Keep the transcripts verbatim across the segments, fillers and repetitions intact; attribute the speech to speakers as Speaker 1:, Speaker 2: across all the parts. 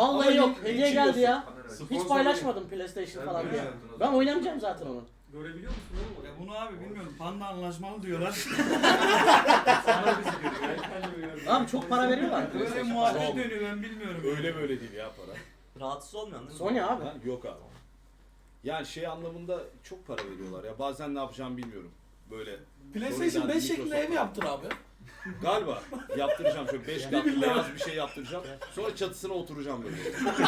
Speaker 1: Vallahi yok.
Speaker 2: Ama
Speaker 1: Hediye
Speaker 2: hiç
Speaker 1: geldi ya.
Speaker 2: Sponsor
Speaker 1: Hiç paylaşmadım PlayStation falan diye.
Speaker 2: beğendin o
Speaker 1: Ben
Speaker 2: zaman.
Speaker 1: oynamayacağım zaten onu.
Speaker 2: Görebiliyor musun oğlum?
Speaker 3: Ya bunu abi bilmiyorum. Panda anlaşmalı diyorlar.
Speaker 2: Sana bizi görüyor. Ben kendimi görüyorum.
Speaker 1: Abi çok para veriyorlar.
Speaker 3: Böyle
Speaker 1: PlayStation
Speaker 3: muhabbet
Speaker 1: falan.
Speaker 3: dönüyor ben bilmiyorum.
Speaker 4: Öyle böyle değil ya para.
Speaker 5: Rahatsız olmuyorsun değil mi?
Speaker 1: Sony abi.
Speaker 4: Ha, yok abi. Yani şey anlamında çok para veriyorlar ya. Bazen ne yapacağımı bilmiyorum. Böyle
Speaker 6: PlayStation beş şeklinde ev yaptır abi.
Speaker 4: galiba yaptıracağım şöyle beş kat beyaz bir şey yaptıracağım. Sonra çatısına oturacağım böyle.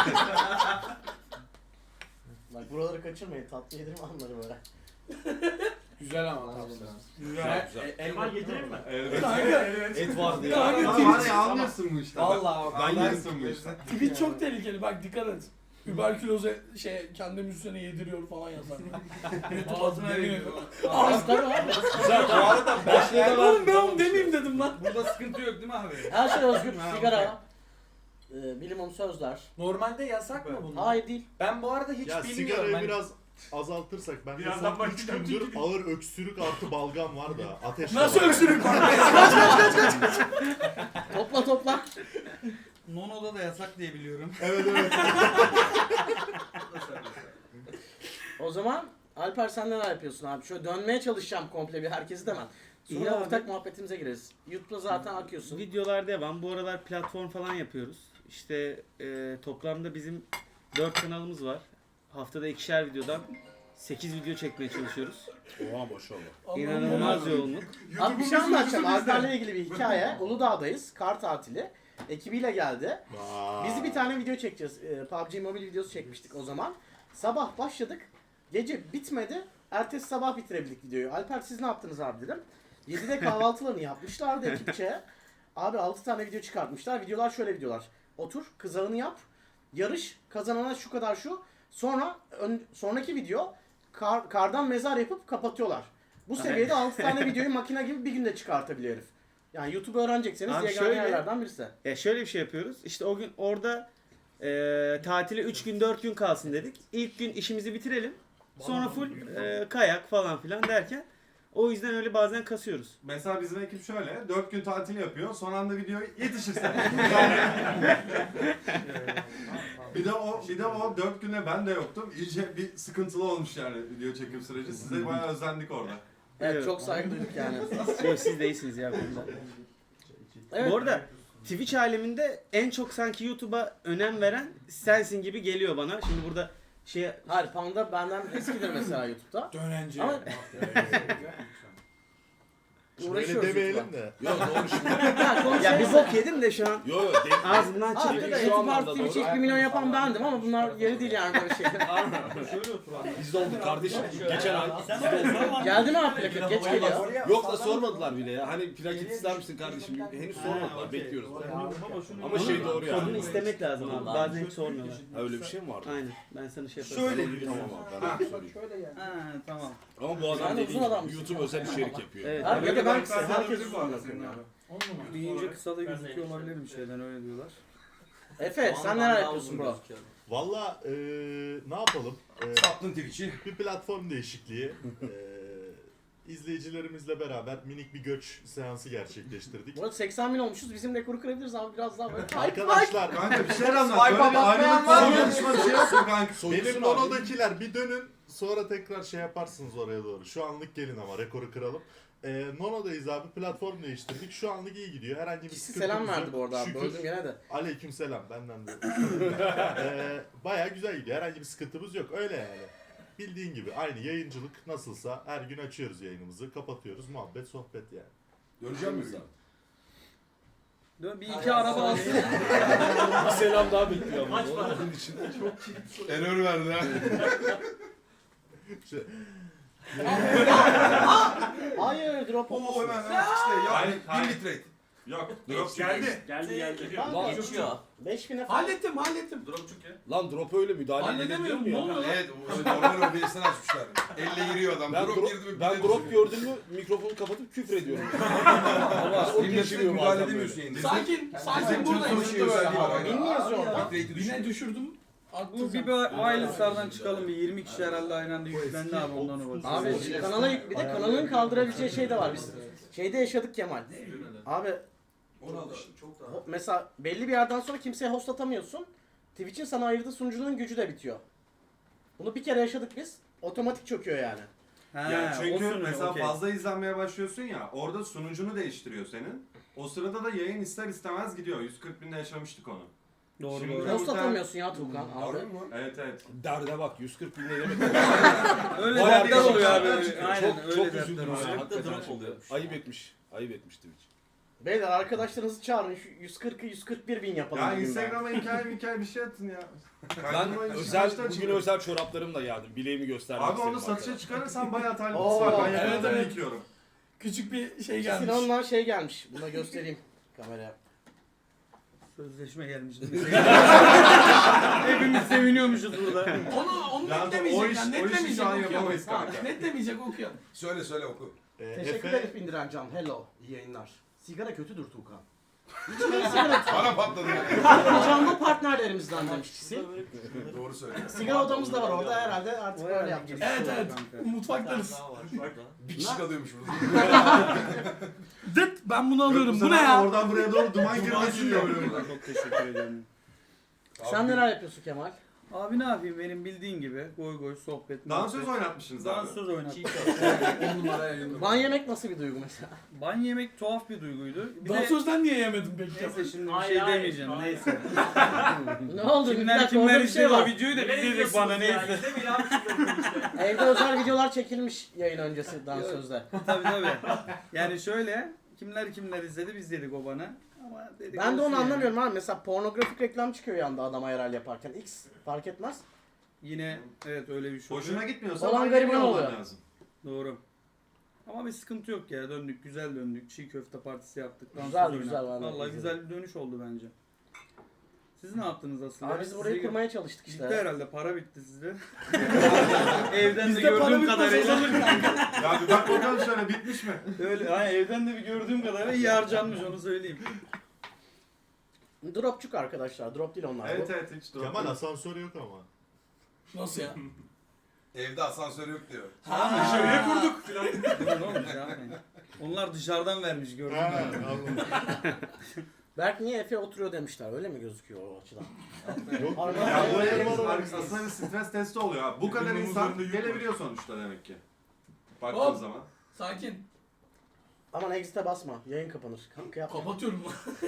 Speaker 1: Bak buraları kaçırmayın. Tatlı yedirme anları böyle.
Speaker 6: Güzel ama tatlı.
Speaker 4: Güzel güzel.
Speaker 1: Elma getireyim mi?
Speaker 6: Kanka
Speaker 4: Et vardı ya.
Speaker 6: Kanka,
Speaker 2: Ama var ya anlıyorsun bu işte.
Speaker 6: Vallahi bak.
Speaker 4: Ben
Speaker 2: Anlarsın bu işte.
Speaker 6: Tweet çok tehlikeli bak dikkat et. Überküloze şey kendi müziğine yediriyor falan yazar. YouTube
Speaker 3: Ağzına
Speaker 6: adına
Speaker 3: veriyor.
Speaker 1: Abi tabii abi.
Speaker 4: Güzel bu arada başlığı da
Speaker 6: Oğlum ben onu demeyeyim dedim lan.
Speaker 3: Burada sıkıntı yok değil mi abi?
Speaker 1: Her şey özgür.
Speaker 3: Ha,
Speaker 1: Sigara. E, bilimum sözler.
Speaker 7: Normalde yasak mı bunlar?
Speaker 1: Hayır değil.
Speaker 7: Ben bu arada hiç
Speaker 8: Ya
Speaker 7: bilmiyorum.
Speaker 8: sigarayı
Speaker 7: Hani-
Speaker 8: biraz azaltırsak ben de
Speaker 2: Birazdan
Speaker 8: son üç
Speaker 2: başlayacağım
Speaker 8: gündür
Speaker 2: çünkü.
Speaker 8: ağır öksürük artı balgam var da ateş
Speaker 6: Nasıl
Speaker 8: var.
Speaker 6: öksürük var?
Speaker 1: Topla topla.
Speaker 3: Nono'da da yasak diye biliyorum.
Speaker 8: Evet evet.
Speaker 1: O zaman Alper sen neler yapıyorsun abi? Şöyle dönmeye çalışacağım komple bir herkesi de ben. Sonra
Speaker 9: İyi abi.
Speaker 1: ortak muhabbetimize gireriz. YouTube'da zaten akıyorsun.
Speaker 9: Videolar devam. Bu aralar platform falan yapıyoruz. İşte e, toplamda bizim dört kanalımız var. Haftada ikişer videodan sekiz video çekmeye çalışıyoruz.
Speaker 4: Oha maşallah.
Speaker 9: İnanılmaz yoğunluk.
Speaker 1: Abi bir şey anlatacağım. Alper'le ilgili bir hikaye. Uludağ'dayız. Kar tatili. Ekibiyle geldi. Biz bir tane video çekeceğiz. Ee, P U B G Mobile videosu çekmiştik o zaman. Sabah başladık. Gece bitmedi. Ertesi sabah bitirebildik videoyu. Alper siz ne yaptınız abi dedim. yedide kahvaltılarını yapmışlardı ekipçe. Abi altı tane video çıkartmışlar. Videolar şöyle videolar. Otur, kızağını yap. Yarış, kazanana şu kadar şu. Sonra ön, sonraki video kar, kardan mezar yapıp kapatıyorlar. Bu seviyede altı tane videoyu makine gibi bir günde çıkartabiliyor herif. Yani YouTube öğrenecekseniz
Speaker 9: Abi
Speaker 1: yegane
Speaker 9: şöyle-
Speaker 1: yerlerden birisi.
Speaker 9: Ya şöyle bir şey yapıyoruz. İşte o gün orada e, tatile üç gün dört gün kalsın dedik. İlk gün işimizi bitirelim. Sonra full e, kayak falan filan derken o yüzden öyle bazen kasıyoruz.
Speaker 2: Mesela bizim ekip şöyle, dört gün tatil yapıyor, son anda video yetişirse. bir de o, bir de o dört güne ben de yoktum. İyice bir sıkıntılı olmuş yani video çekim süreci. Size bayağı özendik orada.
Speaker 1: Evet,
Speaker 9: Evet.
Speaker 1: çok saygı duyduk yani.
Speaker 9: Yok siz değilsiniz ya bunda.
Speaker 1: Evet.
Speaker 9: Bu arada Twitch aleminde en çok sanki YouTube'a önem veren sensin gibi geliyor bana. Şimdi burada şey
Speaker 1: Hayır, Panda benden eskidir mesela YouTube'da.
Speaker 6: Dönence.
Speaker 1: Ama
Speaker 8: Öyle
Speaker 1: uğraşıyoruz
Speaker 8: demeyelim
Speaker 1: YouTube'la.
Speaker 8: de.
Speaker 4: Yok doğru şimdi.
Speaker 1: Ha, konuşalım.
Speaker 9: ya bir bok yedim de şu an
Speaker 4: Yok yok. değil.
Speaker 9: ağzımdan
Speaker 1: Abi
Speaker 9: çıktı.
Speaker 1: de
Speaker 4: Şu
Speaker 1: YouTube
Speaker 4: anlamda
Speaker 1: artı Twitch
Speaker 4: doğru.
Speaker 1: ilk bir milyon yapan bendim ama bunlar yeri değil yani böyle şeyler.
Speaker 4: Biz de olduk kardeşim. Geçen ay.
Speaker 1: Geldi mi abi plaket? Geç geliyor.
Speaker 4: Yok da sormadılar bile ya. Hani plaket ister misin kardeşim? Henüz sormadılar. Bekliyoruz. Ama şey doğru
Speaker 9: Kodunu
Speaker 4: yani.
Speaker 9: istemek lazım abi. Bazen hiç sormuyorlar.
Speaker 4: Ha, öyle bir şey mi vardı?
Speaker 9: Aynen. Ben sana şey yaparım.
Speaker 3: Şöyle.
Speaker 4: Tamam abi ben de söyleyeyim.
Speaker 3: Ha tamam.
Speaker 4: Ama bu adam
Speaker 1: Sen de
Speaker 4: dediğin
Speaker 1: uzun adam
Speaker 4: gibi
Speaker 1: mısın?
Speaker 4: YouTube özel içerik yapıyor.
Speaker 9: Evet.
Speaker 1: Abi ya da ben
Speaker 2: Ben
Speaker 1: herkes
Speaker 2: bu arada senin abi.
Speaker 3: Deyince kısa da gözüküyor olabilir bir şeyden öyle diyorlar.
Speaker 1: Efe sen neler yapıyorsun bro?
Speaker 8: Valla eee ne yapalım? Eee,
Speaker 2: Sattın Twitch'i.
Speaker 8: bir platform değişikliği. Eee izleyicilerimizle beraber minik bir göç seansı gerçekleştirdik.
Speaker 1: Bu arada seksen bin olmuşuz. Bizim rekoru kırabiliriz abi biraz daha böyle.
Speaker 8: Arkadaşlar
Speaker 2: Kanka bir şeyler anlat.
Speaker 7: Swipe'a
Speaker 2: Böyle bir
Speaker 7: bakmayan var
Speaker 2: ayrılık
Speaker 7: mı?
Speaker 2: konuşma bir şey yapsın kanka.
Speaker 8: benim Nono'dakiler bir dönün sonra tekrar şey yaparsınız oraya doğru. Şu anlık gelin ama rekoru kıralım. Ee, Nono'dayız abi, platform değiştirdik. Şu anlık iyi gidiyor. Herhangi bir
Speaker 1: Kişi
Speaker 8: sıkıntımız
Speaker 1: selam
Speaker 8: yok.
Speaker 1: verdi bu arada abi.
Speaker 8: Şükür.
Speaker 1: Böldüm gene de.
Speaker 8: Aleykümselam benden de. ee, bayağı güzel gidiyor. Herhangi bir sıkıntımız yok. Öyle yani. Bildiğin gibi aynı yayıncılık nasılsa her gün açıyoruz yayınımızı, kapatıyoruz. Muhabbet, sohbet yani.
Speaker 4: Göreceğim miyiz abi?
Speaker 3: Dön bir iki araba alsın.
Speaker 4: Bir selam daha bekliyor ama. Onun için.
Speaker 2: Error verdi ha.
Speaker 8: Şey,
Speaker 1: Hayır drop
Speaker 2: Oo
Speaker 1: olmasın.
Speaker 2: hemen hemen işte ya.
Speaker 10: Hayır, hayır.
Speaker 2: Bir bitrate.
Speaker 10: Yok.
Speaker 2: Drop geldi.
Speaker 10: Geldi geldi.
Speaker 1: Lan
Speaker 5: Geçiyor.
Speaker 1: beş bine falan.
Speaker 6: Hallettim hallettim.
Speaker 10: Dropçuk ya.
Speaker 4: Lan drop öyle müdahale
Speaker 6: Halledemiyorum,
Speaker 4: ediliyor
Speaker 6: ne
Speaker 4: mu ya?
Speaker 6: oluyor?
Speaker 2: Evet, o normal O B S'den açmışlar. Elle giriyor adam.
Speaker 4: Ben
Speaker 2: drop,
Speaker 4: drop,
Speaker 2: girdi mi?
Speaker 4: ben
Speaker 2: bile
Speaker 4: drop
Speaker 2: düşürüyor.
Speaker 4: gördüm mü mikrofonu kapatıp küfür ediyorum.
Speaker 2: Ama
Speaker 4: o
Speaker 2: Stream'de
Speaker 4: geçiriyor
Speaker 2: müdahale
Speaker 4: bazen
Speaker 2: edemiyorsun
Speaker 4: böyle.
Speaker 2: yayında.
Speaker 6: Sakin, sakin buradayım.
Speaker 2: Bizim şey özelliği var.
Speaker 1: Bin mi yazıyor orada?
Speaker 2: Bitrate'i
Speaker 6: Yine
Speaker 2: düşürüyor.
Speaker 6: düşürdüm.
Speaker 3: Bu
Speaker 6: Attım.
Speaker 3: bir wireless'lardan çıkalım bir yirmi kişi herhalde aynı anda yüklendi abi ondan o bakıyor.
Speaker 1: Abi kanala yük- bir de kanalın kaldırabileceği şey de var. Biz şeyde yaşadık Kemal. Abi
Speaker 2: Onu al işte.
Speaker 1: ho- mesela belli bir yerden sonra kimseye host atamıyorsun. Twitch'in sana ayırdığı sunucunun gücü de bitiyor. Bunu bir kere yaşadık biz. Otomatik çöküyor yani.
Speaker 3: Ha,
Speaker 2: Yani çünkü
Speaker 3: o sunucu,
Speaker 2: mesela
Speaker 3: okey.
Speaker 2: fazla izlenmeye başlıyorsun ya, orada sunucunu değiştiriyor senin. O sırada da yayın ister istemez gidiyor. yüz kırk binde yaşamıştık onu.
Speaker 3: Doğru
Speaker 2: Şimdi-
Speaker 3: doğru.
Speaker 1: Post atamıyorsun ya Tuğkan abi.
Speaker 2: Evet evet.
Speaker 4: Derde bak yüz kırk bin ne demek?
Speaker 3: Öyle
Speaker 4: Bayağı
Speaker 3: dertler
Speaker 4: bir
Speaker 3: oluyor abi.
Speaker 4: şeyler çıkıyor.
Speaker 3: Aynen
Speaker 4: Çok-
Speaker 3: öyle
Speaker 4: çok
Speaker 3: dertler
Speaker 4: üzüldüm
Speaker 3: oluyor.
Speaker 4: ya.
Speaker 5: Hatta drop oluyor.
Speaker 4: Ayıp etmiş. Ayıp etmiş Twitch.
Speaker 1: Beyler arkadaşlarınızı çağırın şu yüz kırkı yüz kırk bir bin yapalım.
Speaker 2: Ya
Speaker 1: bugün be.
Speaker 2: Instagram'a hikaye hikaye bir şey atın ya.
Speaker 4: Ben
Speaker 2: Kaydırma işi
Speaker 4: özel,
Speaker 2: baştan
Speaker 4: bugün
Speaker 2: çıkıyor.
Speaker 4: özel çoraplarımla geldim. Bileğimi göstermek
Speaker 2: Abi
Speaker 4: istedim.
Speaker 2: onu satışa
Speaker 4: arkadaşlar.
Speaker 2: çıkarırsan bayağı talipçisi
Speaker 1: Oo,
Speaker 2: var. Ben
Speaker 6: evet,
Speaker 2: yakaladım
Speaker 6: evet.
Speaker 2: bekliyorum.
Speaker 6: Küçük bir şey gelmiş.
Speaker 1: Sinan'dan şey gelmiş. Buna göstereyim kameraya.
Speaker 3: Sözleşme gelmiş. Hepimiz seviniyormuşuz burada.
Speaker 6: Onu, onu
Speaker 2: Yani
Speaker 6: netlemeyecek
Speaker 2: o iş-
Speaker 6: yani.
Speaker 2: o işi
Speaker 6: Netlemeyecek
Speaker 2: şu an
Speaker 6: okuyalım.
Speaker 2: yapamayız
Speaker 6: Ha,
Speaker 2: kanka.
Speaker 6: Netlemeyecek okuyalım.
Speaker 5: Söyle söyle oku.
Speaker 8: Ee,
Speaker 1: Teşekkür
Speaker 8: Efe,
Speaker 1: ederiz Bindiren Can. Hello. İyi yayınlar. Sigara kötüdür Tuğkan. İçmeyin sigara.
Speaker 5: Bana patladı.
Speaker 1: Canlı partnerlerimizden demiş Çisil.
Speaker 5: Doğru söyle.
Speaker 1: Sigara odamız da var orada herhalde artık öyle yapacağız.
Speaker 6: Evet evet. Mutfaktayız.
Speaker 5: Bir kişi kalıyormuş burada.
Speaker 6: Dıt ben bunu alıyorum. Bu ne
Speaker 2: sefer de
Speaker 6: ya?
Speaker 2: Oradan buraya doğru duman girmesi diyor.
Speaker 3: Çok teşekkür ederim.
Speaker 1: Sen neler yapıyorsun Kemal?
Speaker 3: Abi ne yapayım benim bildiğin gibi goy goy sohbet.
Speaker 2: Dansöz
Speaker 3: muhabbet.
Speaker 2: oynatmışsınız abi.
Speaker 3: Dansöz oynattım.
Speaker 5: on numara elinde.
Speaker 1: Ban yemek nasıl bir duygu mesela?
Speaker 3: Ban yemek tuhaf bir duyguydu. Bir de
Speaker 6: Dansözden niye yemedim peki?
Speaker 3: neyse şimdi bir
Speaker 7: Hayır,
Speaker 3: şey
Speaker 7: hayır,
Speaker 3: demeyeceğim
Speaker 7: hayır.
Speaker 3: neyse.
Speaker 1: Ne oldu? Bir
Speaker 3: Kimler
Speaker 1: dakika,
Speaker 3: kimler
Speaker 1: orada bir şey
Speaker 3: izliyor o
Speaker 1: var.
Speaker 3: videoyu da
Speaker 7: Ne
Speaker 3: biz dedik
Speaker 7: izliyorsunuz
Speaker 3: bana
Speaker 7: ya?
Speaker 3: neyse.
Speaker 7: İzlemeyin abi şimdi işte.
Speaker 1: Evde özel videolar çekilmiş yayın öncesi dansözde.
Speaker 3: Tabii tabii. Yani şöyle kimler kimler izledi biz dedik o bana. Ama dedik
Speaker 1: Ben de
Speaker 3: olsun
Speaker 1: onu
Speaker 3: yani.
Speaker 1: anlamıyorum abi. Mesela pornografik reklam çıkıyor yanda adam ayral yaparken. X fark etmez.
Speaker 3: Yine evet öyle bir şey
Speaker 2: Hoşuna
Speaker 3: oluyor.
Speaker 2: gitmiyorsa
Speaker 1: Olan
Speaker 2: ban
Speaker 1: gariban
Speaker 2: yemiyor olman
Speaker 1: oluyor.
Speaker 2: lazım.
Speaker 3: Doğru. Ama bir sıkıntı yok ya döndük güzel döndük. Çiğ köfte partisi yaptık. dansöz
Speaker 1: Güzel,
Speaker 3: oynadık.
Speaker 1: güzel, vallahi
Speaker 3: Vallahi
Speaker 1: güzel.
Speaker 3: güzel bir dönüş oldu bence. Siz ne yaptınız aslında?
Speaker 1: Abi biz
Speaker 3: Size
Speaker 1: burayı
Speaker 3: gö-
Speaker 1: kurmaya çalıştık
Speaker 3: Bitti
Speaker 1: işte.
Speaker 3: herhalde para bitti sizde. Evden de
Speaker 6: Bizde para
Speaker 3: gördüğüm
Speaker 6: bitmez
Speaker 3: kadarıyla.
Speaker 6: azalır kanka.
Speaker 2: Ya bir bak bakalım şöyle bitmiş mi?
Speaker 3: Öyle hani evden de bir gördüğüm kadarıyla iyi harcanmış onu söyleyeyim.
Speaker 1: Dropçuk arkadaşlar. Drop değil onlar.
Speaker 2: Evet evet hiç dur.
Speaker 8: Kemal asansörü yok ama.
Speaker 6: Nasıl ya?
Speaker 5: Evde asansör yok diyor.
Speaker 6: Ha, şöyle kurduk.
Speaker 3: Ne olmuş ya? Onlar dışarıdan vermiş gördün
Speaker 8: Ha,
Speaker 3: mü?
Speaker 8: Allah.
Speaker 1: Berk niye Efe oturuyor demişler. Öyle mi gözüküyor o açıdan?
Speaker 8: Yok.
Speaker 1: Arada-
Speaker 2: Ya bu
Speaker 1: Arada-
Speaker 2: en-
Speaker 8: var.
Speaker 2: aslında bir stres testi oluyor abi. Bu kadar
Speaker 8: Hepimizin
Speaker 2: insan
Speaker 8: üzerinde yük var.
Speaker 2: gelebiliyor sonuçta demek ki. Baktığın
Speaker 6: Hop.
Speaker 2: zaman.
Speaker 6: Sakin.
Speaker 1: Aman exit'e basma. Yayın kapanır. Kanka yapma.
Speaker 6: Kapatıyorum.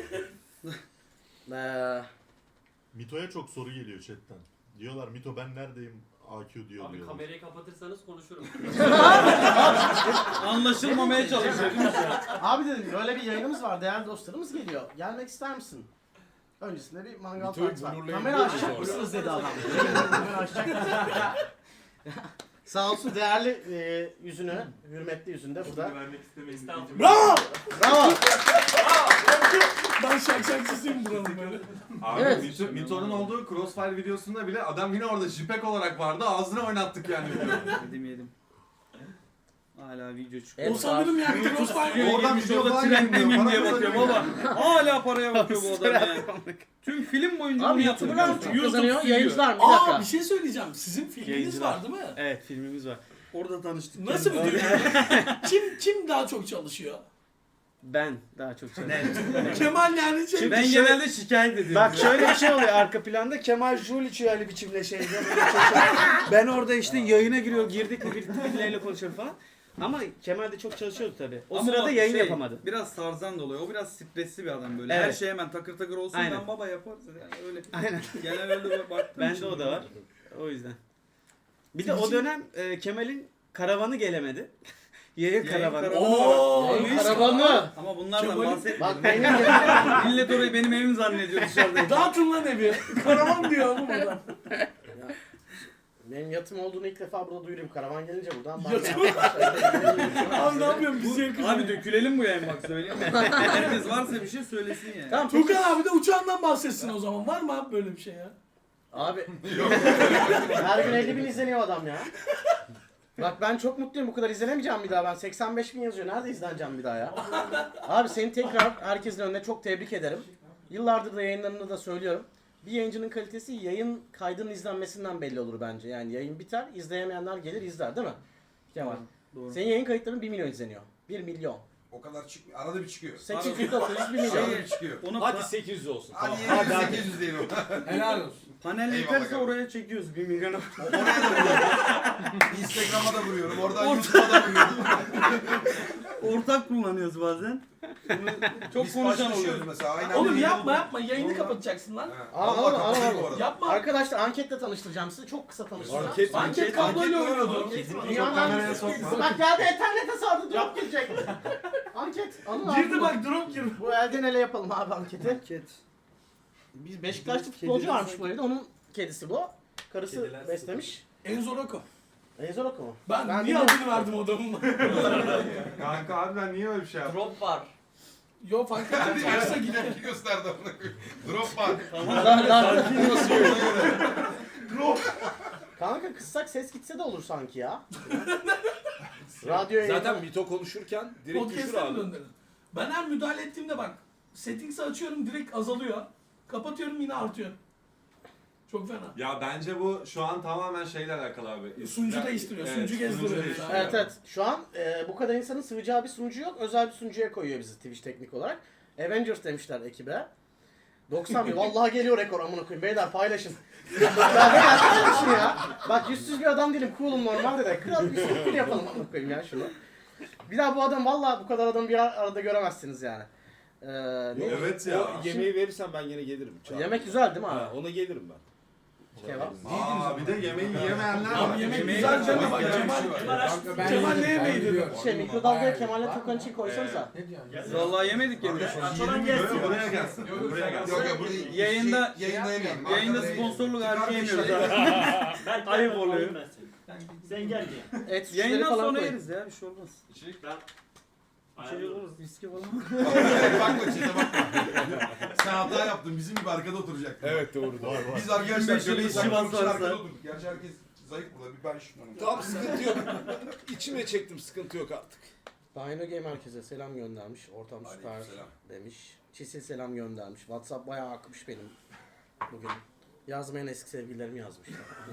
Speaker 1: Ee,
Speaker 8: Mito'ya çok soru geliyor chatten. Diyorlar Mito ben neredeyim? A Q diyor
Speaker 7: Abi
Speaker 8: diyorlar.
Speaker 7: kamerayı kapatırsanız konuşurum.
Speaker 3: Anlaşılmamaya çalışıyor değil mi şu an?
Speaker 1: abi dedim böyle bir yayınımız var. Değerli dostlarımız geliyor. Gelmek ister misin? Öncesinde bir mangal
Speaker 4: Mito'yu
Speaker 1: partisi var.
Speaker 4: blurlayabiliyor
Speaker 1: Kamera
Speaker 4: muyuz
Speaker 1: açacak
Speaker 4: orada?
Speaker 1: mısınız dedi adam. Kamera açacak mısınız? Sağ olsun değerli e, yüzünü, hürmetli yüzünde burada.
Speaker 7: Estağfurullah.
Speaker 6: Bravo!
Speaker 1: Bravo.
Speaker 6: Ben şak şakçısıyım buranın böyle.
Speaker 2: Abi
Speaker 1: Evet.
Speaker 2: Mito- Mito'nun olduğu Crossfire videosunda bile adam yine orada jipek olarak vardı. Ağzına oynattık yani videoyu.
Speaker 3: Yedim yedim. Hala video çıkıyor.
Speaker 1: Evet,
Speaker 6: O sanırım yani Crossfire.
Speaker 2: Oradan
Speaker 3: Oradan
Speaker 2: video
Speaker 3: orada
Speaker 2: falan
Speaker 3: trend
Speaker 2: yayınlıyor,
Speaker 3: miyim
Speaker 2: para
Speaker 3: diye bakıyorum
Speaker 2: kazanıyor.
Speaker 3: ama hala paraya bakıyor bu adam ya. Tüm film boyunca
Speaker 1: Abi
Speaker 3: bunu
Speaker 1: YouTuber'lar
Speaker 3: yapıyor.
Speaker 1: çok kazanıyor.
Speaker 3: stüdyo.
Speaker 1: Yayıncılar mı? Bir
Speaker 6: Aa
Speaker 1: dakika.
Speaker 6: bir şey söyleyeceğim. Sizin filminiz
Speaker 3: Yayıncılar.
Speaker 6: var değil mi?
Speaker 9: Evet filmimiz var.
Speaker 3: Orada tanıştık.
Speaker 6: Nasıl bir duygu? kim kim daha çok çalışıyor?
Speaker 9: Ben daha çok çalışıyorum.
Speaker 6: Kemal yani şey.
Speaker 3: Ben
Speaker 9: şöyle-
Speaker 3: genelde şikayet ediyorum.
Speaker 9: Bak şöyle bir şey oluyor arka planda Kemal Jul içiyor öyle biçimle şeyde böyle çalışıyor. Ben orada işte yayına giriyor girdik mi bir- birileriyle konuşuyorum falan. Ama Kemal de çok çalışıyordu tabii. O
Speaker 3: Ama
Speaker 9: sırada
Speaker 3: bak
Speaker 9: yayın
Speaker 3: şey,
Speaker 9: yapamadı.
Speaker 3: Biraz Tarzan da oluyor. O biraz stresli bir adam böyle.
Speaker 9: Evet.
Speaker 3: Her şey hemen takır takır olsun
Speaker 9: Aynen.
Speaker 3: ben baba yaparız. Yani öyle.
Speaker 9: Aynen.
Speaker 3: Genel öyle baktım.
Speaker 9: Bende o da var. O yüzden. Bir de o dönem e, Kemal'in karavanı gelemedi. Yayın
Speaker 3: Yayın
Speaker 9: karavanı.
Speaker 3: karavanı.
Speaker 6: Oo,
Speaker 1: Yayın
Speaker 6: neyse.
Speaker 1: karavanı.
Speaker 3: Ama bunlardan
Speaker 6: Kemal'in-
Speaker 3: bahsetmiyorum.
Speaker 1: Bak benim
Speaker 3: Millet orayı benim evim zannediyor dışarıda.
Speaker 6: Dağıtın lan evi. Karavan diyor oğlum adam.
Speaker 1: benim yatım olduğunu ilk defa burada duyurayım. Karavan gelince buradan.
Speaker 6: Yatım? Abi ne yapıyorsun biz yakın.
Speaker 3: Abi dökülelim bu yayın bak söyleyeyim. Herkes varsa bir şey söylesin yani.
Speaker 1: Tamam peki.
Speaker 6: Tukan abi de uçağından bahsetsin o zaman. Var mı abi böyle bir şey ya?
Speaker 1: Abi. Her gün elli bin izleniyor adam ya. Bak ben çok mutluyum. Bu kadar izlenemeyeceğim bir daha. Ben seksen beş bin yazıyor. Nerede izleneceğim bir daha ya? Abi seni tekrar herkesin önüne çok tebrik ederim. Yıllardır da yayınlarında da söylüyorum. Bir yayıncının kalitesi yayın kaydının izlenmesinden belli olur bence. Yani yayın biter, izleyemeyenler gelir izler değil mi? Kemal.
Speaker 3: Doğru.
Speaker 1: Senin yayın kayıtların bir milyon izleniyor. bir milyon.
Speaker 5: O kadar çıkmıyor. Arada bir çıkıyor.
Speaker 1: sekiz yüz dokuz yüz bir milyon.
Speaker 5: Arada bir çıkıyor.
Speaker 3: Onu
Speaker 4: Hadi
Speaker 3: pa-
Speaker 4: sekiz yüz olsun.
Speaker 5: Hadi
Speaker 4: Tamam.
Speaker 5: yedi yüz sekiz yüz değil o.
Speaker 6: Helal olsun.
Speaker 3: panel
Speaker 5: Eyvallah
Speaker 3: yeterse
Speaker 5: kardeşim.
Speaker 3: oraya çekiyoruz bir milyonu.
Speaker 5: Oraya da vuruyorum. Instagram'a da vuruyorum. Oradan YouTube'a da vuruyorum.
Speaker 3: Ortak kullanıyoruz bazen. Bunu çok
Speaker 5: Biz
Speaker 3: konuşan
Speaker 5: paylaşıyoruz
Speaker 3: oluyor.
Speaker 5: mesela. Aynen
Speaker 6: Oğlum
Speaker 5: dediğin
Speaker 6: yapma
Speaker 5: oldu.
Speaker 6: yapma yayını
Speaker 5: Oradan-
Speaker 6: kapatacaksın lan.
Speaker 5: Ha,
Speaker 1: Al,
Speaker 5: Allah
Speaker 1: al, al,
Speaker 5: kapatayım
Speaker 1: al.
Speaker 5: bu arada.
Speaker 6: Yapma.
Speaker 1: Arkadaşlar anketle tanıştıracağım sizi. Çok kısa tanıştıracağım.
Speaker 4: Anket,
Speaker 6: Anket kabloyla
Speaker 5: Anket
Speaker 6: oynuyordu.
Speaker 1: Dünyanın
Speaker 2: kameraya
Speaker 1: en
Speaker 2: sokma.
Speaker 1: Bak geldi internete sardı drop girecek. Anket. Anıl
Speaker 6: Girdi
Speaker 1: abi.
Speaker 6: bak drop girdi.
Speaker 1: Bu elden ele yapalım abi anketi.
Speaker 3: Anket.
Speaker 1: Biz Beşiktaşlı
Speaker 3: Kedi-
Speaker 1: futbolcu
Speaker 3: kediler
Speaker 1: varmış bu evde. Onun kedisi bu. Karısı
Speaker 4: Kediler
Speaker 1: beslemiş.
Speaker 6: Enzo Rocco.
Speaker 1: Ezor oku mu?
Speaker 6: Ben,
Speaker 1: Ben
Speaker 6: niye
Speaker 1: bilmiyorum.
Speaker 6: adını verdim adamın?
Speaker 2: Kanka harbiden niye öyle bir şey yaptın?
Speaker 7: Drop var.
Speaker 6: Yo fark etmez. Varsa gidelim.
Speaker 5: Tepki gösterdi amına koyayım. Drop var.
Speaker 1: Lan, lan. Kanka kıssak ses gitse de olur sanki ya. Radyo yayını.
Speaker 4: Zaten Mito konuşurken direkt düşür
Speaker 6: Podcast'e mi
Speaker 4: abi.
Speaker 6: döndürdün? Ben her müdahale ettiğimde bak settings'i açıyorum direkt azalıyor. Kapatıyorum yine artıyor. Çok fena.
Speaker 2: Ya bence bu şu an tamamen şeyle alakalı abi.
Speaker 6: Sunucu
Speaker 2: Ya-
Speaker 6: değiştiriyor,
Speaker 2: Evet,
Speaker 6: sunucu gezdiriyor.
Speaker 2: değiştiriyor.
Speaker 1: Evet evet. Şu an e, bu kadar insanın sığacağı bir sunucu yok. Özel bir sunucuya koyuyor bizi Twitch teknik olarak. Avengers demişler ekibe. doksan bin. Vallahi geliyor rekor amına koyayım. Beyler paylaşın. ya beyler paylaşın ya. Bak yüzsüz bir adam değilim. Cool'um normalde de. Kral bir sürpriz yapalım amına koyayım ya şunu. Bir daha bu adam vallahi bu kadar adamı bir arada göremezsiniz yani. Ee, ne?
Speaker 2: Evet ya.
Speaker 4: O yemeği verirsen ben yine gelirim. Çağır.
Speaker 1: Yemek güzel değil mi
Speaker 4: Ha,
Speaker 1: abi?
Speaker 4: ona gelirim ben.
Speaker 1: Kebap.
Speaker 2: Aa bir de yemeği yiyemeyenler var.
Speaker 6: Abi yemek
Speaker 3: Yemeği
Speaker 6: güzel
Speaker 3: güzel
Speaker 6: deme bak
Speaker 5: Yemek
Speaker 6: Cemal.
Speaker 5: güzel.
Speaker 6: Cemal ne yemeği dedi?
Speaker 1: Şey mikrodalgaya Kemal'le Tukan için koysanıza.
Speaker 3: Vallahi yemedik yemeği.
Speaker 7: Açılan
Speaker 2: Böyle
Speaker 7: gelsin.
Speaker 2: buraya gelsin. Buraya gelsin.
Speaker 5: Yok yok burayı
Speaker 3: Yayında-
Speaker 5: şey, yayında yemeyelim.
Speaker 3: Yayında
Speaker 5: Arkada
Speaker 3: sponsorluk
Speaker 5: çıkar
Speaker 3: harcı
Speaker 5: bir
Speaker 3: yemiyoruz
Speaker 5: şey-
Speaker 3: abi.
Speaker 7: Belki
Speaker 3: Ayıp
Speaker 7: ben
Speaker 3: oluyor.
Speaker 7: alayım ben seni. Sen gel diye.
Speaker 1: Et suçları
Speaker 3: Yayından
Speaker 1: falan
Speaker 3: sonra
Speaker 1: koy.
Speaker 3: yeriz ya bir şey olmaz.
Speaker 7: Ben
Speaker 3: İçeri
Speaker 7: ayarlıyorum.
Speaker 3: oluruz viski falan.
Speaker 5: Bakma çete bakma. Sen hata yaptın. Bizim gibi arkada oturacaktın.
Speaker 4: Evet doğru doğru.
Speaker 5: Biz arkadaşlar
Speaker 3: Bizim
Speaker 5: şöyle
Speaker 3: işi
Speaker 5: saklanmak için
Speaker 3: varsa-
Speaker 5: arkada oturduk. Gerçi herkes zayıf burada. Bir ben şunlarım.
Speaker 4: Tamam sıkıntı yok. İçime çektim sıkıntı yok artık.
Speaker 1: Dino Game herkese selam göndermiş. Ortam süper
Speaker 5: Aleykümselam.
Speaker 1: demiş. Çisil selam göndermiş. WhatsApp bayağı akmış benim bugün. Yazmayan eski sevgililerim yazmış.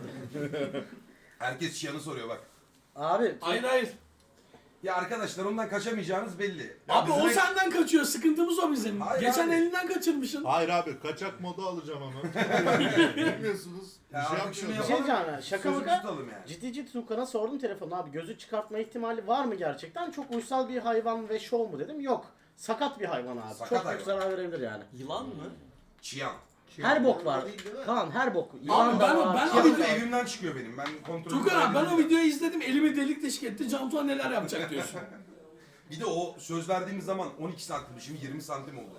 Speaker 5: Herkes Çiyan'ı soruyor bak.
Speaker 1: Abi
Speaker 6: Hayır hayır.
Speaker 5: Ya arkadaşlar ondan kaçamayacağınız belli.
Speaker 6: Abi
Speaker 2: bizim
Speaker 6: o
Speaker 2: ek-
Speaker 6: senden kaçıyor. Sıkıntımız o bizim.
Speaker 5: Hayır
Speaker 6: Geçen
Speaker 5: abi.
Speaker 6: elinden kaçırmışsın.
Speaker 8: Hayır abi kaçak modu alacağım ama. Bilmiyorsunuz. Bir
Speaker 5: Ya
Speaker 8: şey
Speaker 5: artık şunu
Speaker 1: bir
Speaker 8: yapmıyoruz.
Speaker 1: şey
Speaker 5: yapalım.
Speaker 1: diyeceğim ya. Şaka
Speaker 5: Sözümüzü
Speaker 1: maka.
Speaker 5: tutalım yani.
Speaker 1: Ciddi ciddi Tukan'a sordum telefonu abi. Gözü çıkartma ihtimali var mı gerçekten? Çok uysal bir hayvan ve şov mu dedim. Yok. Sakat bir hayvan abi.
Speaker 5: Sakat
Speaker 1: Çok
Speaker 5: hayvan.
Speaker 1: büyük zarar verebilir yani.
Speaker 7: Yılan mı?
Speaker 5: Çiyan.
Speaker 1: Her bok var. Kaan her bok. Yılan
Speaker 6: ben-
Speaker 1: da var.
Speaker 6: ben-
Speaker 1: Çiyan
Speaker 5: Çiyan
Speaker 1: da
Speaker 5: da
Speaker 1: var.
Speaker 5: evimden çıkıyor benim. Ben kontrol
Speaker 6: Tukan abi ben o videoyu izledim. Elimi delik deşik etti. Cantuan neler yapacak diyorsun.
Speaker 5: Bir de o söz verdiğimiz zaman on iki santim, şimdi yirmi santim oldu.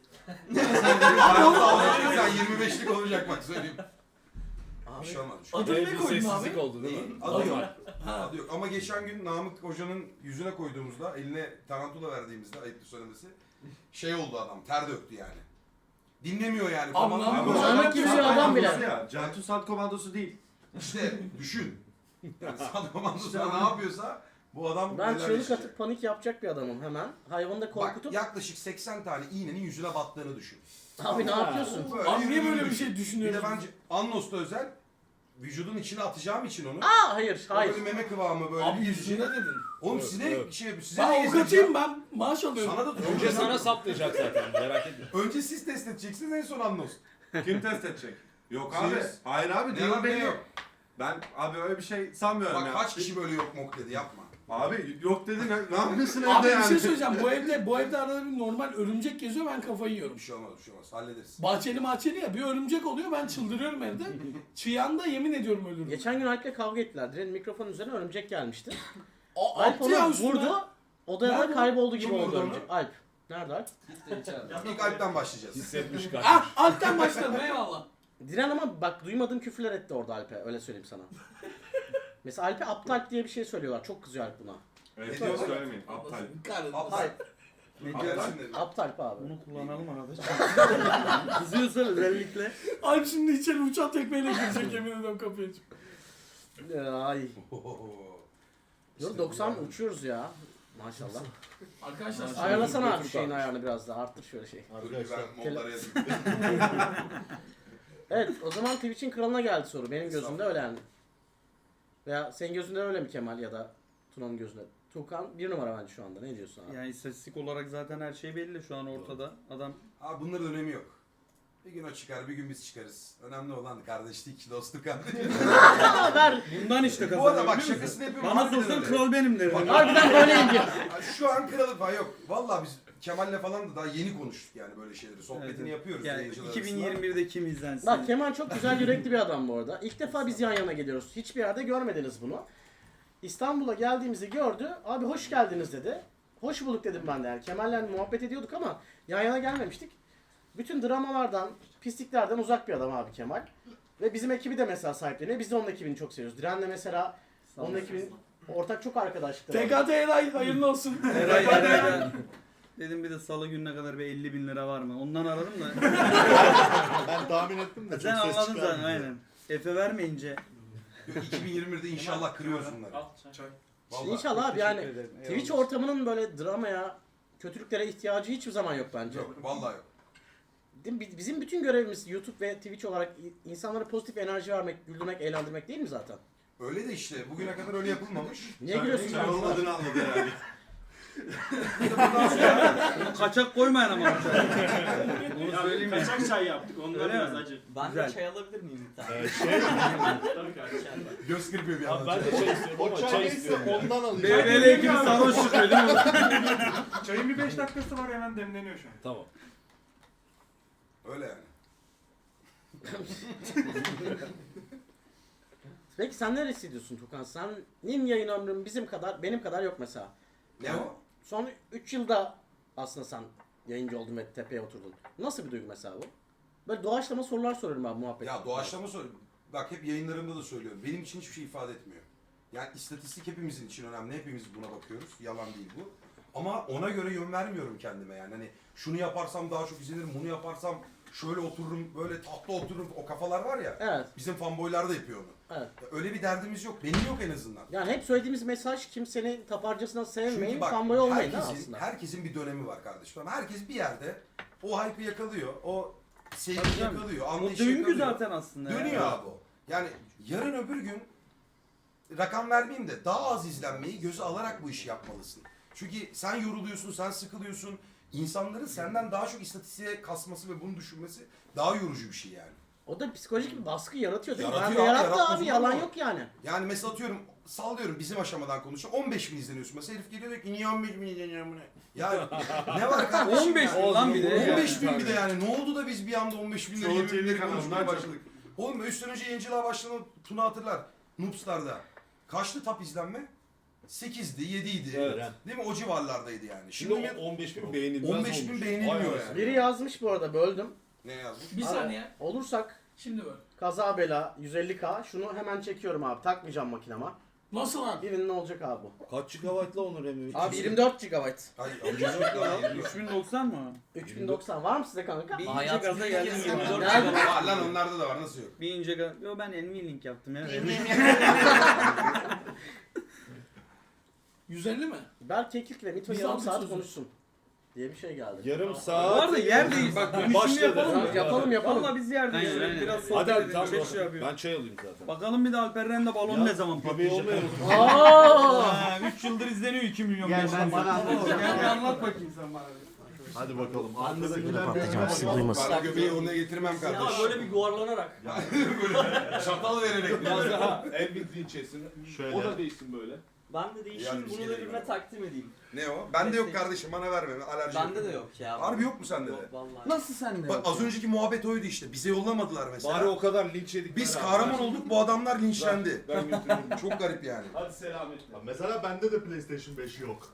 Speaker 5: Sen yirmi beşlik olacak bak söyleyeyim. Bir şey olmaz. bir şey olmaz.
Speaker 6: Adını
Speaker 4: Ee,
Speaker 6: ne
Speaker 4: bir
Speaker 6: koydun
Speaker 4: sessizlik
Speaker 6: abi?
Speaker 4: oldu değil mi?
Speaker 5: Adı yok.
Speaker 6: Ha.
Speaker 5: Adı yok. Ama geçen gün Namık Hoca'nın yüzüne koyduğumuzda, eline tarantula verdiğimizde, ayıptı söylemesi, şey oldu adam, ter döktü yani. Dinlemiyor yani.
Speaker 6: Abi
Speaker 5: Komando-
Speaker 6: Namık
Speaker 5: Ama-
Speaker 6: Hoca-
Speaker 1: Namık gibi bir adam bile.
Speaker 2: Ya, Cantu Sat komandosu değil.
Speaker 5: İşte düşün. Yani Sat komandosu ne yapıyorsa bu adam
Speaker 1: Ben
Speaker 5: neler
Speaker 1: çığlık
Speaker 5: yaşayacak.
Speaker 1: atıp panik yapacak bir adamım hemen. Hayvanı da
Speaker 5: Bak
Speaker 1: korkutup.
Speaker 5: yaklaşık seksen tane iğnenin yüzüne battığını düşün.
Speaker 1: Abi ne yapıyorsun?
Speaker 5: Böyle
Speaker 6: Abi niye
Speaker 5: yürüdüğünü
Speaker 6: böyle bir
Speaker 5: düşün.
Speaker 6: şey
Speaker 5: Bir de
Speaker 6: düşünüyorsun?
Speaker 5: bence Annos'ta özel vücudun içine atacağım için onu.
Speaker 1: Aa hayır
Speaker 5: O
Speaker 1: hayır.
Speaker 5: Böyle meme kıvamı böyle.
Speaker 6: Abi
Speaker 5: bir-
Speaker 6: yüzüne dedin.
Speaker 5: Oğlum
Speaker 4: Evet,
Speaker 5: size
Speaker 4: evet.
Speaker 5: şey size
Speaker 6: Ben
Speaker 5: ne
Speaker 6: avukatıyım
Speaker 5: gezdireceğim?
Speaker 6: ben. Maaş alıyorum.
Speaker 5: Sana da
Speaker 4: Önce sana saplayacak zaten merak etme.
Speaker 5: Önce siz test edeceksiniz en son Annos.
Speaker 2: Kim test edecek? Yok
Speaker 5: Siz.
Speaker 2: abi. Hayır abi
Speaker 5: Ne
Speaker 2: değil
Speaker 5: var, ne
Speaker 2: benim.
Speaker 5: yok?
Speaker 2: Ben abi öyle bir şey sanmıyorum
Speaker 5: Bak
Speaker 2: ya.
Speaker 5: kaç kişi böyle yok mok dedi yapma.
Speaker 2: Abi yok dedin ne yapıyorsun evde
Speaker 6: Abi bir
Speaker 2: yani?
Speaker 6: şey söyleyeceğim. Bu evde bu evde arada bir normal örümcek geziyor ben kafayı yiyorum.
Speaker 5: Bir şey olmaz bir şey olmaz hallederiz.
Speaker 6: Bahçeli mahçeli ya bir örümcek oluyor ben çıldırıyorum evde. Çiyan'da yemin ediyorum ölürüm.
Speaker 1: Geçen gün Alp'le kavga ettiler. Direnin mikrofonun üzerine örümcek gelmişti.
Speaker 6: A-
Speaker 1: Alp
Speaker 6: attı ya
Speaker 1: onu
Speaker 6: üstüne.
Speaker 1: vurdu. Odaya
Speaker 6: Nerede?
Speaker 1: kayboldu gibi
Speaker 5: Kim
Speaker 1: oldu
Speaker 5: vurdu onu?
Speaker 1: örümcek. Alp. Nerede Alp?
Speaker 5: İlk Alp'ten başlayacağız.
Speaker 4: Hissetmiş kaçmış.
Speaker 6: Ah alttan başladım eyvallah.
Speaker 1: Diren ama bak duymadığım küfürler etti orada Alp'e. Öyle söyleyeyim sana. Mesela Alp'e aptal diye bir şey söylüyorlar. Çok kızıyor Alp buna.
Speaker 2: Evet diyor söylemeyin. Aptal.
Speaker 5: Aptal.
Speaker 1: Hayır.
Speaker 5: Ne
Speaker 2: Aptal.
Speaker 5: diyorsun dedi.
Speaker 1: Aptal abi.
Speaker 3: Bunu kullanalım arada. Kızıyorsa özellikle.
Speaker 6: Alp şimdi içeri uçan tekmeyle girecek yemin ediyorum kapıyı açıp.
Speaker 1: Ay.
Speaker 5: Ohoho.
Speaker 1: Dur
Speaker 5: İşte
Speaker 1: doksan
Speaker 5: bu.
Speaker 1: uçuyoruz ya. Maşallah.
Speaker 6: Arkadaşlar
Speaker 1: Ayarlasana abi
Speaker 4: götür
Speaker 1: şeyin
Speaker 4: kalmış.
Speaker 1: ayarını biraz daha. Arttır şöyle şey.
Speaker 5: Dur bir
Speaker 8: Arkadaşlar.
Speaker 5: ben modlara yazayım.
Speaker 1: Evet o zaman Twitch'in kralına geldi soru. Benim gözümde öyle yani. Veya senin gözünde öyle mi Kemal ya da Tuna'nın gözünde? Tuğkan bir numara bence şu anda. Ne diyorsun abi?
Speaker 3: Yani istatistik olarak zaten her şey belli şu an ortada. Adam
Speaker 5: Abi bunların önemi yok. Bir gün o çıkar, bir gün biz çıkarız. Önemli olan kardeşlik, dostluk kardeşlik.
Speaker 1: Ver.
Speaker 3: bundan işte
Speaker 5: Bu
Speaker 3: kazanıyor.
Speaker 5: arada bak
Speaker 3: biliyor musun?
Speaker 5: şakasını yapıyorum.
Speaker 3: Bana
Speaker 5: harbiden
Speaker 3: sorsan
Speaker 5: öyle.
Speaker 3: kral benim derim.
Speaker 1: Harbiden böyleyim diyor.
Speaker 5: Ya Şu an kralı falan yok. Vallahi biz Kemal'le falan da daha yeni konuştuk yani böyle şeyleri. Sohbetini
Speaker 3: Evet.
Speaker 5: yapıyoruz
Speaker 3: Yani
Speaker 5: yayıncılar
Speaker 3: iki bin
Speaker 5: arasında.
Speaker 3: yirmi birde kim izlensin?
Speaker 1: Bak Kemal çok güzel yürekli bir adam bu arada. İlk defa biz yan yana geliyoruz. Hiçbir yerde görmediniz bunu. İstanbul'a geldiğimizi gördü. Abi hoş geldiniz dedi. Hoş bulduk dedim ben de. Yani Kemal'le muhabbet ediyorduk ama yan yana gelmemiştik. Bütün dramalardan, pisliklerden uzak bir adam abi Kemal. Ve bizim ekibi de mesela sahipleniyor. Biz de onun ekibini çok seviyoruz. Diren'le mesela onun ekibinin ortak çok arkadaşlıkları var.
Speaker 6: T K T Eray hayırlı olsun.
Speaker 3: Eray, Eray. Dedim bir de salı gününe kadar bir elli bin lira var mı? Ondan aradım da.
Speaker 8: Ben tahmin ettim de çok
Speaker 3: Sen
Speaker 8: ses
Speaker 3: anladın
Speaker 8: çıkarmıyor.
Speaker 3: zaten aynen. Efe vermeyince.
Speaker 5: iki bin yirmi birde inşallah kırıyoruz bunları.
Speaker 7: Al çay.
Speaker 5: Vallahi.
Speaker 1: İnşallah abi yani
Speaker 3: Teşekkür ederim.
Speaker 1: Twitch
Speaker 3: Eyvallah.
Speaker 1: ortamının böyle dramaya, kötülüklere ihtiyacı hiçbir zaman yok bence.
Speaker 5: Yok vallahi yok.
Speaker 1: Değil mi? Bizim bütün görevimiz YouTube ve Twitch olarak insanlara pozitif enerji vermek, güldürmek, eğlendirmek değil mi zaten?
Speaker 5: Öyle de işte bugüne kadar öyle yapılmamış.
Speaker 1: Niye gülüyorsun?
Speaker 2: Sen olmadığını anladı herhalde.
Speaker 3: Bunu kaçak koymayın ama. Onu
Speaker 7: Ya
Speaker 3: söyleyeyim ya.
Speaker 7: kaçak çay yaptık. Ondan
Speaker 3: Öyle
Speaker 7: biraz
Speaker 3: mi?
Speaker 7: acı.
Speaker 10: Ben
Speaker 3: Güzel.
Speaker 10: de çay alabilir miyim bir tane?
Speaker 8: Ee, şey,
Speaker 7: Tabii kardeşim.
Speaker 5: Göz kırpıyor bir
Speaker 8: abi
Speaker 5: anda.
Speaker 8: ben de çay istiyorum o ama çay çay neyse istiyorum. ondan alayım.
Speaker 3: B B L ekibi sarhoş çıkıyor değil mi?
Speaker 7: Çayın bir beş dakikası var hemen demleniyor şu an.
Speaker 4: Tamam.
Speaker 5: Öyle yani.
Speaker 1: Peki sen neresi diyorsun Tukan? Senin yayın ömrün bizim kadar, benim kadar yok mesela.
Speaker 5: Ne o?
Speaker 1: Son üç yılda aslında sen yayıncı oldun ve tepeye oturdun. Nasıl bir duygu mesela bu? Böyle doğaçlama sorular soruyorum abi muhabbet.
Speaker 5: Ya doğaçlama sor. Bak hep yayınlarımda da söylüyorum. Benim için hiçbir şey ifade etmiyor. Yani istatistik hepimizin için önemli. Hepimiz buna bakıyoruz. Yalan değil bu. Ama ona göre yön vermiyorum kendime yani. Hani şunu yaparsam daha çok izlenirim, bunu yaparsam şöyle otururum, böyle tatlı otururum. O kafalar var ya.
Speaker 1: Evet,
Speaker 5: Bizim fanboylar da yapıyor onu.
Speaker 1: evet.
Speaker 5: Öyle bir derdimiz yok. Benim yok en azından.
Speaker 1: Yani hep söylediğimiz mesaj kimsenin taparcasına sevmeyin,
Speaker 5: Çünkü bak
Speaker 1: fanboy olmayın değil mi
Speaker 5: herkesin,
Speaker 1: aslında?
Speaker 5: herkesin bir dönemi var kardeşim. Herkes bir yerde o hype'ı yakalıyor. O
Speaker 3: Tabii
Speaker 5: sevgiyi
Speaker 3: canım.
Speaker 5: yakalıyor.
Speaker 3: O
Speaker 5: Anlayışı
Speaker 3: döngü
Speaker 5: yakalıyor.
Speaker 3: zaten aslında. ya.
Speaker 5: Dönüyor abi o. Yani yarın öbür gün rakam vermeyeyim de daha az izlenmeyi göze alarak bu işi yapmalısın. Çünkü sen yoruluyorsun, sen sıkılıyorsun. İnsanların senden daha çok istatistiğe kasması ve bunu düşünmesi daha yorucu bir şey yani.
Speaker 1: O da psikolojik bir baskı yaratıyor değil mi?
Speaker 5: Yaratıyor
Speaker 1: Ben de
Speaker 5: abi,
Speaker 1: yarattı
Speaker 5: yaratmaz
Speaker 1: abi,
Speaker 5: olur
Speaker 1: yalan
Speaker 5: mu?
Speaker 1: yok yani.
Speaker 5: Yani mesela atıyorum, sallıyorum bizim aşamadan konuşuyorum. on beş bin izleniyorsun mesela, herif geliyor diyor ki niye on beş bin izleniyor bu ne? Ya ne var kardeşim?
Speaker 3: on beş
Speaker 5: ya?
Speaker 3: bin lan bir de.
Speaker 5: on beş bin bir de yani. Ne oldu da biz bir anda on beş bin lira
Speaker 2: Çoğu
Speaker 5: yirmi bin
Speaker 2: T V
Speaker 5: lira
Speaker 2: kanalından
Speaker 5: konuşmaya
Speaker 2: çok.
Speaker 5: başladık. Oğlum üç sene önce yayıncılığa başlanan Tuna hatırlar. Noobstar'da. Kaçtı tap izlenme? sekizdi, yediydi.
Speaker 4: Evet.
Speaker 5: Değil mi? O civarlardaydı yani.
Speaker 4: Şimdi
Speaker 5: Şimdi,
Speaker 4: o on beş bin beğenilmez
Speaker 5: on beş bin
Speaker 4: olmuş.
Speaker 5: beğenilmiyor
Speaker 4: Vay
Speaker 5: yani.
Speaker 4: anasını.
Speaker 1: Biri yazmış bu arada, böldüm.
Speaker 5: ne yazmış?
Speaker 6: Bir
Speaker 1: Abi,
Speaker 6: saniye.
Speaker 1: Olursak
Speaker 6: Şimdi böyle.
Speaker 1: kaza bela yüz elli K, şunu hemen çekiyorum abi, takmayacağım makinama.
Speaker 6: Nasıl lan?
Speaker 1: Birinin olacak abi bu.
Speaker 4: Kaç gigabaytla Onur Emre?
Speaker 1: Abi yirmi dört gigabayt.
Speaker 5: Ay, amcacık ya.
Speaker 3: üç bin doksan mı?
Speaker 1: üç bin doksan var mı size kanka?
Speaker 3: Bir ince
Speaker 10: Hayatımda
Speaker 3: gaza
Speaker 10: ilk
Speaker 3: geldim
Speaker 10: kez
Speaker 3: gibi.
Speaker 10: yirmi dört
Speaker 1: Nerede?
Speaker 5: Var lan, onlarda da var, nasıl yok?
Speaker 3: Bir ince gaz. Yo ben Nvidia yaptım ya.
Speaker 6: yüz elli mi?
Speaker 1: Berk Keklik ve Mito
Speaker 6: Biz
Speaker 1: yarım
Speaker 6: aldık
Speaker 1: saat
Speaker 6: sözü.
Speaker 1: konuşsun diye bir şey geldi.
Speaker 4: Yarım
Speaker 3: Bu
Speaker 4: saat.
Speaker 3: arada yer değil. Bak dönüşümü
Speaker 4: Başladı.
Speaker 3: yapalım mı?
Speaker 1: Tamam, yapalım yapalım.
Speaker 3: Valla biz yerdeyiz.
Speaker 9: Aynen,
Speaker 3: Şöyle
Speaker 9: aynen.
Speaker 3: Biraz
Speaker 4: Hadi
Speaker 3: sohbet
Speaker 4: hadi
Speaker 3: edelim.
Speaker 4: tamam.
Speaker 3: Çok şey yapıyor.
Speaker 4: Ben çay alayım zaten.
Speaker 3: Bakalım bir de Alperen'le balon
Speaker 4: Ya,
Speaker 3: ne zaman
Speaker 4: Göbeği
Speaker 3: patlayacak?
Speaker 4: olmuyor musun?
Speaker 1: Aa!
Speaker 3: üç yıldır izleniyor iki milyon.
Speaker 9: Gel
Speaker 3: beş
Speaker 9: ben
Speaker 3: yüz.
Speaker 9: sana anlatayım.
Speaker 3: Gel bir anlat bakayım sen bana.
Speaker 8: Hadi bakalım. Arkadakiler
Speaker 1: patlayacağım, sizi duymasın.
Speaker 5: Ben göbeği ona getirmem
Speaker 10: Ya
Speaker 5: kardeş.
Speaker 10: böyle bir yuvarlanarak.
Speaker 5: böyle çatal vererek.
Speaker 4: Biraz daha en bildiğin şeysin.
Speaker 8: Şöyle.
Speaker 4: O da değilsin böyle.
Speaker 10: Ben de değişeyim
Speaker 5: Yani bir
Speaker 10: bunu
Speaker 5: şey
Speaker 10: da
Speaker 5: değil
Speaker 10: birine
Speaker 5: mi?
Speaker 10: takdim edeyim.
Speaker 5: Ne o? Bende yok kardeşim, bana verme. Alerji
Speaker 10: Bende de yok ya.
Speaker 5: Harbi yok mu sende de?
Speaker 10: Yok vallahi.
Speaker 3: Nasıl sende?
Speaker 5: Bak az önceki muhabbet oydu işte. Bize yollamadılar mesela.
Speaker 4: Bari o kadar linç yedik.
Speaker 5: Biz kahraman olduk, bu adamlar linçlendi.
Speaker 4: Ben götürürüm.
Speaker 5: Çok garip yani.
Speaker 4: Hadi selametle.
Speaker 8: Mesela bende de PlayStation beş yok.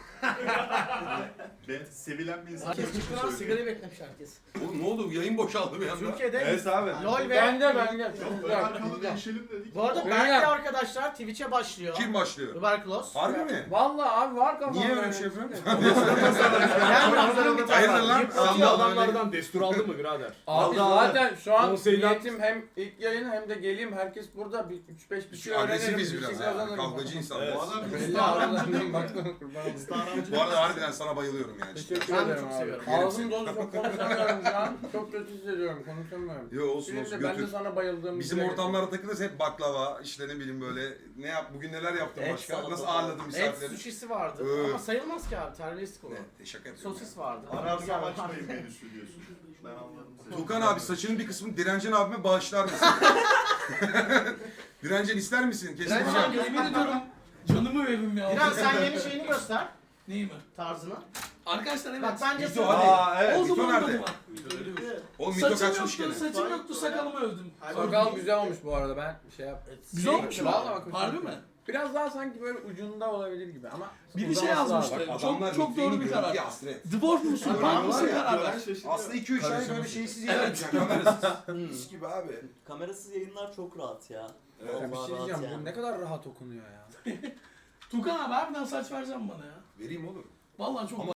Speaker 8: Ben sevilen bir insan.
Speaker 1: Herkes çıktı lan, sigarayı beklemiş herkes.
Speaker 5: Oğlum ne oldu? Yayın boşaldı bir anda.
Speaker 1: Türkiye'de
Speaker 4: Evet abi.
Speaker 1: LOL ve...
Speaker 6: Bende bende.
Speaker 8: Ön arkalı değişelim dedik.
Speaker 1: Bu arada Berk'le arkadaşlar Twitch'e başlıyor.
Speaker 5: Kim başlıyor?
Speaker 1: Tuberkulos.
Speaker 5: Harbi mi?
Speaker 6: Vallahi abi var kafamda.
Speaker 5: Niye öyle bir şey yapıyorsun?
Speaker 1: Yani hazırım bir tane.
Speaker 5: Hayırdır lan?
Speaker 1: Yırtıyor
Speaker 5: Sandal
Speaker 1: adamlardan.
Speaker 4: destur aldın mı birader?
Speaker 6: Abi zaten şu an
Speaker 4: Konseyden-
Speaker 6: niyetim hem ilk yayın hem de geleyim herkes burada bir üç beş bir şey öğrenirim.
Speaker 5: Agresifiz
Speaker 6: bir şey
Speaker 5: biraz ha.
Speaker 6: kazanırım.
Speaker 5: Kavgacı insanlar.
Speaker 4: Evet.
Speaker 5: Bu adam
Speaker 6: Belli abi baktım kurban olayım.
Speaker 8: Star
Speaker 5: Bu arada harbiden sana bayılıyorum yani.
Speaker 11: Teşekkür
Speaker 1: Ben de
Speaker 11: ederim
Speaker 1: çok
Speaker 11: abi.
Speaker 1: seviyorum.
Speaker 11: Ağzım dolu çok konuşamıyorum şu an. Çok kötü hissediyorum konuşamıyorum.
Speaker 5: Yo olsun
Speaker 11: Şimdi
Speaker 5: olsun
Speaker 11: de ben de
Speaker 5: götür.
Speaker 11: sana bayıldığım
Speaker 5: Bizim ortamlarda takılırız hep baklava, işte ne bileyim böyle ne yap bugün neler yaptın
Speaker 10: Et,
Speaker 5: başka?
Speaker 10: salata
Speaker 5: Nasıl
Speaker 10: falan.
Speaker 5: ağırladın
Speaker 1: Et
Speaker 5: misafirleri?
Speaker 1: suşisi vardı
Speaker 5: Ee.
Speaker 1: ama sayılmaz ki abi terbiyesizlik olur.
Speaker 5: Ne? Şaka yapıyorum.
Speaker 1: Sosis vardı.
Speaker 8: Ararsam açmayın menüsü diyorsun. Ben anladım seni.
Speaker 5: Tukan abi saçının bir kısmını Direncen abime bağışlar mısın? Direncen ister misin?
Speaker 1: Direncen
Speaker 5: Kesin
Speaker 1: abi-
Speaker 6: Yemin ediyorum canımı veririm ya.
Speaker 1: Biraz sen yeni şeyini göster.
Speaker 6: Neyi mi?
Speaker 1: Tarzını.
Speaker 6: Arkadaşlar evet.
Speaker 1: Bak bence
Speaker 5: Mito
Speaker 1: sen...
Speaker 5: hadi.
Speaker 2: Aa evet.
Speaker 6: Oldu mu
Speaker 5: Mito
Speaker 6: olmadı
Speaker 5: nerede?
Speaker 6: mı?
Speaker 5: Oğlum Mito
Speaker 6: Saçım
Speaker 5: kaçmış
Speaker 6: yoktu,
Speaker 5: gene.
Speaker 6: saçım yoktu, sakalımı övdüm.
Speaker 11: Sakal güzel olmuş bu arada ben şey yap.
Speaker 6: Güzel olmuş mu?
Speaker 11: Vallahi bak,
Speaker 6: Harbi
Speaker 11: hoşuma
Speaker 6: mi?
Speaker 11: gitti. Biraz daha sanki böyle ucunda olabilir gibi ama
Speaker 6: Biri şey
Speaker 11: uzaması lazım.
Speaker 6: yazmıştı.
Speaker 5: Bak
Speaker 6: Çok
Speaker 5: adamlar
Speaker 6: çok
Speaker 5: Mito'yu
Speaker 6: doğru bir karar.
Speaker 5: görüntüye hasret.
Speaker 6: Dwarf musun? Punk mısın karar ver.
Speaker 5: Aslında iki üç ay böyle şeysiz yayın
Speaker 6: Evet.
Speaker 5: yapacak kamerasız. Mis gibi abi.
Speaker 10: Kamerasız yayınlar çok rahat ya.
Speaker 11: Ya bir
Speaker 10: Vallahi
Speaker 11: şey
Speaker 10: rahat
Speaker 11: diyeceğim
Speaker 10: yani.
Speaker 11: bu ne kadar rahat okunuyor ya.
Speaker 6: Tukan abi harbiden saç vereceğim bana ya.
Speaker 5: Vereyim oğlum.
Speaker 6: Vallahi çok